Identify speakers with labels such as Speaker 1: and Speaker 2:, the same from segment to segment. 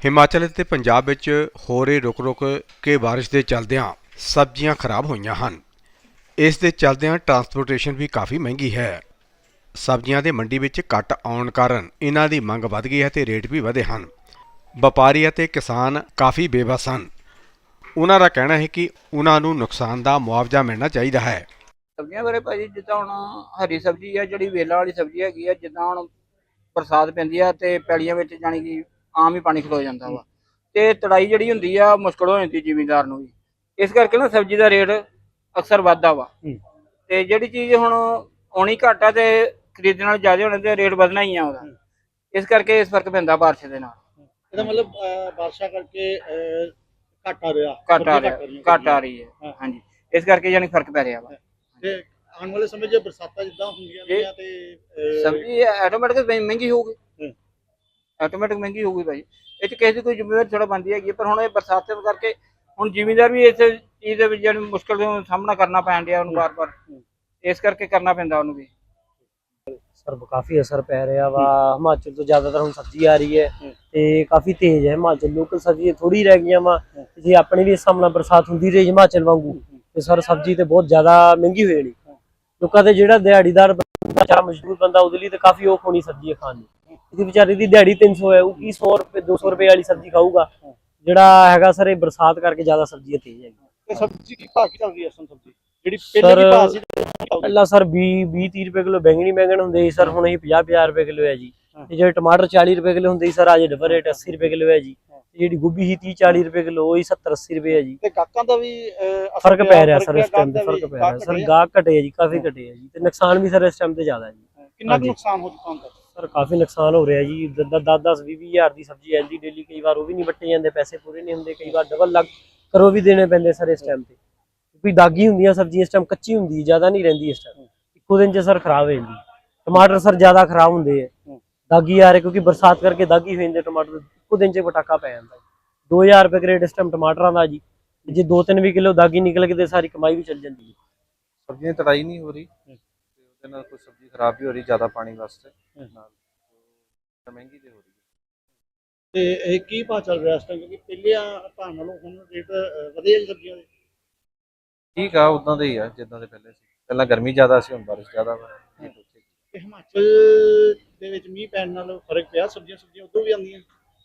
Speaker 1: ਹਿਮਾਚਲ ਅਤੇ ਪੰਜਾਬ ਵਿੱਚ ਹੋ ਰਹੇ ਰੁਕ-ਰੁਕ ਕੇ ਬਾਰਿਸ਼ ਦੇ ਚੱਲਦਿਆਂ ਸਬਜ਼ੀਆਂ ਖਰਾਬ ਹੋਈਆਂ ਹਨ। ਇਸ ਦੇ ਚੱਲਦਿਆਂ ਟਰਾਂਸਪੋਰਟੇਸ਼ਨ ਵੀ ਕਾਫੀ ਮਹਿੰਗੀ ਹੈ। ਸਬਜ਼ੀਆਂ ਦੇ ਮੰਡੀ ਵਿੱਚ ਘੱਟ ਆਉਣ ਕਾਰਨ ਇਹਨਾਂ ਦੀ ਮੰਗ ਵਧ ਗਈ ਹੈ ਤੇ ਰੇਟ ਵੀ ਵਧੇ ਹਨ। ਵਪਾਰੀ ਅਤੇ ਕਿਸਾਨ ਕਾਫੀ ਬੇਬਸ ਹਨ। ਉਹਨਾਂ ਦਾ ਕਹਿਣਾ ਹੈ ਕਿ ਉਹਨਾਂ ਨੂੰ ਨੁਕਸਾਨ ਦਾ ਮੁਆਵਜ਼ਾ ਮਿਲਣਾ ਚਾਹੀਦਾ ਹੈ।
Speaker 2: ਸਬਜ਼ੀਆਂ ਬਾਰੇ ਭਾਜੀ ਜਿੱਦਾਂ ਹੁਣ ਹਰੀ ਸਬਜ਼ੀ ਆ ਜਿਹੜੀ ਵੇਲਾਂ ਵਾਲੀ ਸਬਜ਼ੀ ਹੈਗੀ ਆ, ਜਿੱਦਾਂ ਹੁਣ ਬਰਸਾਤ ਪੈਂਦੀ ਆ ਤੇ ਪੈਲੀਆਂ ਵਿੱਚ ਜਾਣੀ ਕਿ ਆਮ ਹੀ ਪਾਣੀ ਖਲੋ ਜਾਂਦਾ ਵਾ ਤੇ ਤੜਾਈ ਜਿਹੜੀ ਹੁੰਦੀ ਆ ਮੁਸ਼ਕਲ ਹੋ ਜਾਂਦੀ ਜ਼ਿਮੀਂਦਾਰ ਨੂੰ ਵੀ। ਇਸ ਕਰਕੇ ਨਾ ਸਬਜ਼ੀ ਦਾ ਰੇਟ ਅਕਸਰ ਵੱਧਦਾ ਵਾ ਤੇ ਜਿਹੜੀ ਚੀਜ਼ ਹੁਣ ਆਉਣੀ ਘੱਟ ਆ ਤੇ ਖਰੀਦਣ ਨਾਲ ਜ਼ਿਆਦਾ ਹੋਣੇ ਤੇ ਰੇਟ ਵਧਣਾ ਹੀ ਆ ਉਹਦਾ। ਇਸ ਕਰਕੇ ਇਸ ਫਰਕ ਪੈਂਦਾ ਬਾਰਿਸ਼ ਦੇ ਨਾਲ।
Speaker 3: ਇਹਦਾ ਮਤਲਬ ਬਾਰਿਸ਼ਾਂ ਕਰਕੇ ਘੱਟ ਆ ਰਿਹਾ
Speaker 2: ਘੱਟ ਆ ਰਹੀ ਹੈ। ਹਾਂਜੀ, ਇਸ ਕਰਕੇ ਜਾਨੀ ਫਰਕ ਪੈ ਰਿਹਾ ਵਾ।
Speaker 3: ਤੇ ਆਉਣ ਵਾਲੇ ਸਮੇਂ 'ਚ ਬਰਸਾਤਾਂ ਜਿੱਦਾਂ ਹੁੰਦੀਆਂ ਰਹੀਆਂ ਤੇ
Speaker 2: ਸਬਜ਼ੀ ਆਟੋਮੈਟਿਕ ਮਹਿੰਗੀ ਹੋਊਗੀ। ਆਟੋਮੈਟਿਕ ਮਹਿੰਗੀ ਹੋਊਗੀ ਭਾਈ। ਇਹ 'ਚ ਕਿਸੇ ਦੀ ਕੋਈ ਜ਼ਿੰਮੇਵਾਰੀ ਥੋੜਾ ਬਣਦੀ ਹੈਗੀ, ਪਰ ਹੁਣ ਇਹ ਬਰਸਾਤ ਕਰਕੇ ਹੁਣ ਜ਼ਿਮੀਂਦਾਰ ਵੀ ਇਸ ਚੀਜ਼ ਦੇ ਵਿੱਚ ਜਿਹੜੀ ਮੁਸ਼ਕਲ ਦਾ ਸਾਹਮਣਾ ਕਰਨਾ ਪੈਣ ਡਿਆ ਉਹਨੂੰ ਬਾਰ-ਬਾਰ। ਇਸ ਕਰਕੇ ਕਰਨਾ ਪੈਂਦਾ ਉਹਨੂੰ ਵੀ।
Speaker 4: ਸਰ ਕਾਫੀ ਅਸਰ ਪੈ ਰਿਹਾ ਵਾ। ਹਿਮਾਚਲ ਤੋਂ ਜ਼ਿਆਦਾਤਰ ਹੁਣ ਸਬਜ਼ੀ ਆ ਰਹੀ ਹੈ ਤੇ ਕਾਫੀ ਤੇਜ਼ ਹੈ। ਹਿਮਾਚਲ ਲੋਕਲ ਸਬਜ਼ੀ ਥੋੜੀ ਰਹਿ ਗਈਆਂ ਵਾ। ਜੇ ਆਪਣੇ ਵੀ ਇਸ ਸਾਹਮਣਾ ਬਰਸਾਤ ਹੁੰਦੀ ਰਹੀ ਹਿਮਾਚਲ ਵਾਂਗੂ ਤੇ ਸਰ ਸਬਜ਼ੀ ਤੇ ਬਹੁਤ ਜ਼ਿਆਦਾ ਮਹਿੰਗੀ ਹੋ ਜਾਣੀ। ਲੋਕਾਂ ਦੇ ਜਿਹੜਾ ਦਿਹਾੜੀਦਾਰ ਬੰਦਾ ਮਜ਼ਦੂਰ ਬੰਦਾ ਉਹਦੇ ਲਈ ਤਾਂ ਕਾਫੀ ਔਖ ਹੋਣੀ ਸਬਜ਼ੀ ਖਾਣ ਦੀ। ਇਹਦੀ ਵਿਚਾਰੇ ਦੀ ਦਿਹਾੜੀ 300 ਹੈ, ਉਹ ਕੀ 100 ਰੁਪਏ 200 ਰੁਪਏ ਵਾਲੀ ਸਬਜ਼ੀ ਖਾਊਗਾ। ਜਿਹੜਾ ਹੈਗਾ ਸਰ ਇਹ ਬਰਸਾਤ ਕਰਕੇ ਜ਼ਿਆਦਾ ਸਬਜ਼ੀਆਂ ਤੇਜ਼ ਹੈਗੀ।
Speaker 3: ਤੇ ਸਬਜ਼ੀ ਕੀ ਭਾਅ ਕੀ ਚੱਲ ਰਹੀ ਹੈ ਇਸ ਸਬਜ਼ੀ ਜਿਹੜੀ ਪਹਿਲੇ ਦੀ ਭਾਅ ਸੀ?
Speaker 4: ਪਹਿਲਾਂ ਸਰ 20-30 ਰੁਪਏ ਕਿਲੋ ਬੈਂਗਣ ਹੁੰਦੇ ਸੀ ਸਰ, ਹੁਣ ਇਹ 50-50 ਰੁਪਏ ਕਿਲੋ ਹੈ ਜੀ। ਤੇ ਜਿਹੜੇ ਟਮਾਟਰ 40 ਰੁਪਏ ਕਿਲੋ ਹੁੰਦੇ ਸੀ ਸਰ, ਅੱਜ ਡਬਲ ਰੇਟ 80 ਰੁਪਏ ਕਿਲੋ ਹੈ ਜੀ। ਜਿਹੜੀ ਗੋਭੀ ਸੀ 30-40 ਰੁਪਏ ਕਿਲੋ, ਉਹੀ 70-80 ਰੁਪਏ ਹੈ ਜੀ।
Speaker 3: ਤੇ ਗਾਹਕਾਂ ਦਾ ਵੀ
Speaker 4: ਫਰਕ ਪੈ ਰਿਹਾ ਸਰ, ਇਸ ਟਾਈਮ ਤੇ ਫਰਕ ਪੈ ਰਿਹਾ ਸਰ। ਗਾਹਕ ਘਟੇ ਜੀ, ਕਾਫੀ ਘਟੇ ਹੈ ਜੀ। ਤੇ ਨੁਕਸਾਨ ਵੀ ਸਰ ਇਸ ਟਾਈਮ ਤੇ ਜ਼ਿਆਦਾ ਹੈ ਜੀ।
Speaker 3: ਕਿੰਨਾ ਕੁ ਨੁਕਸਾਨ ਹੋ ਚੁੱਕਾ ਹੁੰਦਾ
Speaker 4: ਸਰ? ਕਾਫੀ ਨੁਕਸਾਨ ਹੋ ਰਿਹਾ ਜੀ। 10-20 ਹਜ਼ਾਰ ਦੀ ਸਬਜ਼ੀ ਆਂਦੀ ਡੇਲੀ, ਕਈ ਵਾਰ ਉਹ ਵੀ ਨਹੀਂ ਵੱਟੇ ਜਾਂਦੇ, ਪੈਸੇ ਪੂਰੇ ਨਹੀਂ ਹੁੰਦੇ, ਕਈ ਵਾਰ ਡਬਲ ਲੱਗ ਕਰੋ ਵੀ ਦੇਣੇ ਪੈਂਦੇ ਸਰ ਇਸ ਟਾਈਮ ਤੇ। ਕਿਉਂਕਿ ਦਾਗੀ ਹੁੰਦੀਆਂ ਸਬਜ਼ੀ ਇਸ ਟਾਈਮ, ਕੱਚੀ ਹੁੰਦੀ ਜ਼ਿਆਦਾ ਨਹੀਂ ਰਹਿੰਦੀ ਇਸ ਟਾਈਮ। ਇੱਕੋ ਦਿਨ 'ਚ ਸਰ ਖਰਾਬ ਹੋ ਜਾਂਦੀ। ਟਮਾਟਰ ਸਰ ਜ਼ਿਆਦਾ ਖਰਾਬ ਹੁੰਦੇ ਹੈ, ਦਾਗੀ ਆ ਰਹੇ ਕਿਉਂਕਿ ਬਰਸਾਤ ਕਰਕੇ ਦਾਗੀ ਹੋ ਜਾਂਦੇ ਟਮਾਟਰ। ਇੱਕੋ ਦਿਨ 'ਚ ਪਟਾਕਾ ਪੈ ਜਾਂਦਾ। 2000 ਰੁਪਏ ਰੇਟ ਇਸ ਟਾਈਮ ਟਮਾਟਰਾਂ ਦਾ ਜੀ। ਜੇ 2-3 ਵੀ ਕਿਲੋ ਦਾਗੀ ਨਿਕਲ ਕੇ ਤੇ ਸਾਰੀ ਕਮਾਈ ਵੀ ਚੱਲ ਜਾਂਦੀ ਹੈ।
Speaker 5: ਸਬਜ਼ੀਆਂ ਤੜਾਈ ਨਹੀਂ ਹੋ ਰਹੀ ਤੇ ਉਹਦੇ ਨਾਲ ਕੋਈ ਸਬਜ਼ੀ ਖਰਾਬ ਵੀ ਹੋ ਰਹੀ ਜ਼ਿਆਦਾ ਪਾਣੀ ਵਾਸਤੇ ਨਾਲ, ਮਹਿੰਗੀ ਤੇ ਹੋ ਰਹੀ ਹੈ।
Speaker 3: ਤੇ ਇਹ ਕੀ ਭਾਅ ਚੱਲ ਰਿਹਾ ਇਸ ਟਾਈਮ? ਕਿਉਂਕਿ ਪਹਿਲਿਆਂ ਭਾਅ ਨਾਲੋਂ ਹੁਣ ਰੇਟ ਵਧੇ ਆ ਸਬਜ਼ੀਆਂ ਦੇ।
Speaker 5: ਠੀਕ ਆ, ਉਦਾਂ ਦੇ ਹੀ ਆ ਜਿੱਦਾਂ ਦੇ ਪਹਿਲੇ ਸੀ। ਪਹਿਲਾਂ ਗਰਮੀ ਜ਼ਿਆਦਾ ਸੀ, ਹੁਣ ਬਾਰਿਸ਼ ਜ਼ਿਆਦਾ ਵਾ।
Speaker 3: ਤੇ ਹਿਮਾਚਲ ਦੇ ਵਿੱਚ ਮੀਂਹ ਪੈਣ ਨਾਲ ਫਰਕ ਪਿਆ? ਸਬਜ਼ੀਆਂ ਉਦੋਂ ਵੀ ਆਉਂਦੀਆਂ?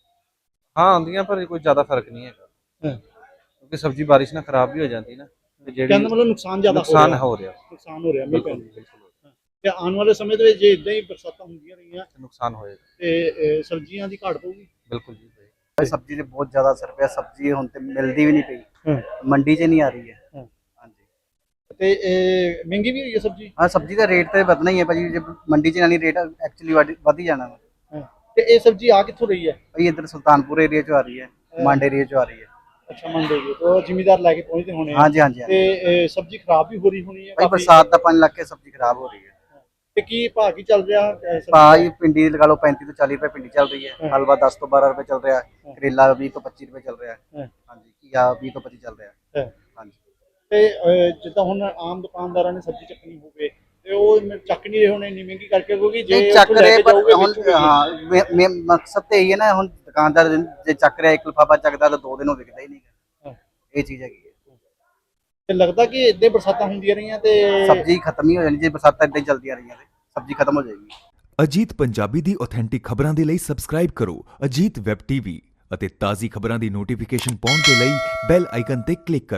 Speaker 5: ਹਾਂ ਆਉਂਦੀਆਂ, ਪਰ ਕੋਈ ਜ਼ਿਆਦਾ ਫਰਕ ਨਹੀਂ ਹੈਗਾ ਕਿਉਂਕਿ ਸਬਜ਼ੀ ਬਾਰਿਸ਼ ਨਾਲ ਖਰਾਬ ਵੀ ਹੋ ਜਾਂਦੀ ਨਾ। ਤੇ ਜਿਹੜੀ
Speaker 3: ਮਤਲਬ ਨੁਕਸਾਨ ਜ਼ਿਆਦਾ
Speaker 5: ਹੋ ਰਿਹਾ
Speaker 3: ਮੀਂਹ ਪੈਣ ਨਾਲ। ਤੇ ਆਉਣ ਵਾਲੇ ਸਮੇਂ ਦੇ ਵਿੱਚ ਜੇ ਇਦਾਂ ਹੀ ਬਰਸਾਤਾਂ ਹੁੰਦੀਆਂ ਰਹੀਆਂ
Speaker 5: ਨੁਕਸਾਨ ਹੋਏਗਾ
Speaker 3: ਤੇ ਸਬਜ਼ੀਆਂ ਦੀ ਘਾਟ ਪਊਗੀ।
Speaker 5: ਬਿਲਕੁਲ ਜੀ।
Speaker 6: सब्जी से बहुत ज्यादा असर पे। सब्जी हुण ते मिलदी भी नहीं पई, मंडी च नहीं आ रही है। हाँ जी।
Speaker 3: ਤੇ ਮਹਿੰਗੀ ਵੀ ਹੋਈ ਹੈ ਸਬਜ਼ੀ?
Speaker 6: हाँ, सब्जी का रेट तो बढ़ना ही है भाजी। जब मंडी च नहीं रेट एक्चुअली वध ही जाना वा।
Speaker 3: ਤੇ ਇਹ ਸਬਜ਼ੀ ਆ ਕਿੱਥੋਂ ਰਹੀ ਹੈ
Speaker 6: भाई इधर सुल्तानपुर एरिया चो आ रही है, मांड एरिया चो आ रही है।
Speaker 3: ਅੱਛਾ, ਮੰਡੀ ਦੇ ਤੋਂ ਜ਼ਿਮੀਦਾਰ ਲੈ ਕੇ ਪਹੁੰਚਦੇ ਹੋਣੇ ਆ।
Speaker 6: हाँ जी, हाँ जी, हाँ जी।
Speaker 3: ਤੇ ਸਬਜ਼ੀ ਖਰਾਬ ਵੀ ਹੋ ਰਹੀ ਹੋਣੀ ਹੈ
Speaker 6: भाई
Speaker 3: ਕਾਫੀ।
Speaker 6: बरसात का पानी लग के सब्जी खराब हो रही है।
Speaker 3: ਤੇ ਕੀ ਭਾਅ ਕੀ ਚੱਲ ਰਿਹਾ ਸਬਜ਼ੀ?
Speaker 6: भाई भिंडी लगा लो 35 तो 40 रुपए भिंडी चल रही है। हलवा 10 तो 12 रुपए चल रहा है। करेला 20 तो 25 रुपए चल रहा है। हाँ जी, घिया 20 तो 25 चल रहा है। हाँ जी।
Speaker 3: ਤੇ ਜਿੱਦਾਂ ਹੁਣ ਆਮ ਦੁਕਾਨਦਾਰਾਂ ਨੇ ਸਬਜ਼ੀ ਚੱਕਣੀ ਹੋਵੇ ਤੇ ਉਹ ਚੱਕ ਨਹੀਂ ਰਹੇ ਹੋਣੇ ਇੰਨੀ ਮਹਿੰਗੀ ਕਰਕੇ, ਕਿਉਂਕਿ ਜੇ
Speaker 6: ਚੱਕ ਰਹੇ ਪਰ ਹੁਣ ਹਾਂ ਮਕਸਦ ਤੇ ਇਹੀ ਹੈ ਨਾ, ਹੁਣ ਦੁਕਾਨਦਾਰ ਜੇ ਚੱਕ ਰਿਹਾ ਇੱਕ ਲਿਫਾਫਾ ਚੱਕਦਾ ਤਾਂ 2 ਦਿਨ ਉਹ ਵਿਕਦਾ ਹੀ ਨਹੀਂ। ਇਹ ਚੀਜ਼ ਹੈਗੀ ਹੈ।
Speaker 3: ਤੇ ਲੱਗਦਾ ਕਿ ਇੱਦਾਂ ਬਰਸਾਤਾਂ ਹੁੰਦੀਆਂ ਰਹੀਆਂ ਤੇ
Speaker 6: ਸਬਜ਼ੀ ਖਤਮ ਹੀ ਹੋ ਜਾਣੀ। ਜੇ ਬਰਸਾਤਾਂ ਇਦਾਂ ਹੀ ਚੱਲਦੀਆਂ ਰਹੀਆਂ ਤੇ ਸਬਜ਼ੀ ਖਤਮ ਹੋ ਜਾਏਗੀ।
Speaker 7: ਅਜੀਤ ਪੰਜਾਬੀ ਦੀ ਆਥੈਂਟਿਕ ਖਬਰਾਂ ਦੇ ਲਈ ਸਬਸਕ੍ਰਾਈਬ ਕਰੋ ਅਜੀਤ ਵੈਬ ਟੀਵੀ ਅਤੇ ਤਾਜ਼ੀ ਖਬਰਾਂ ਦੀ ਨੋਟੀਫਿਕੇਸ਼ਨ ਪਾਉਣ ਦੇ ਲਈ ਬੈਲ ਆਈਕਨ ਤੇ ਕਲਿੱਕ ਕਰੋ।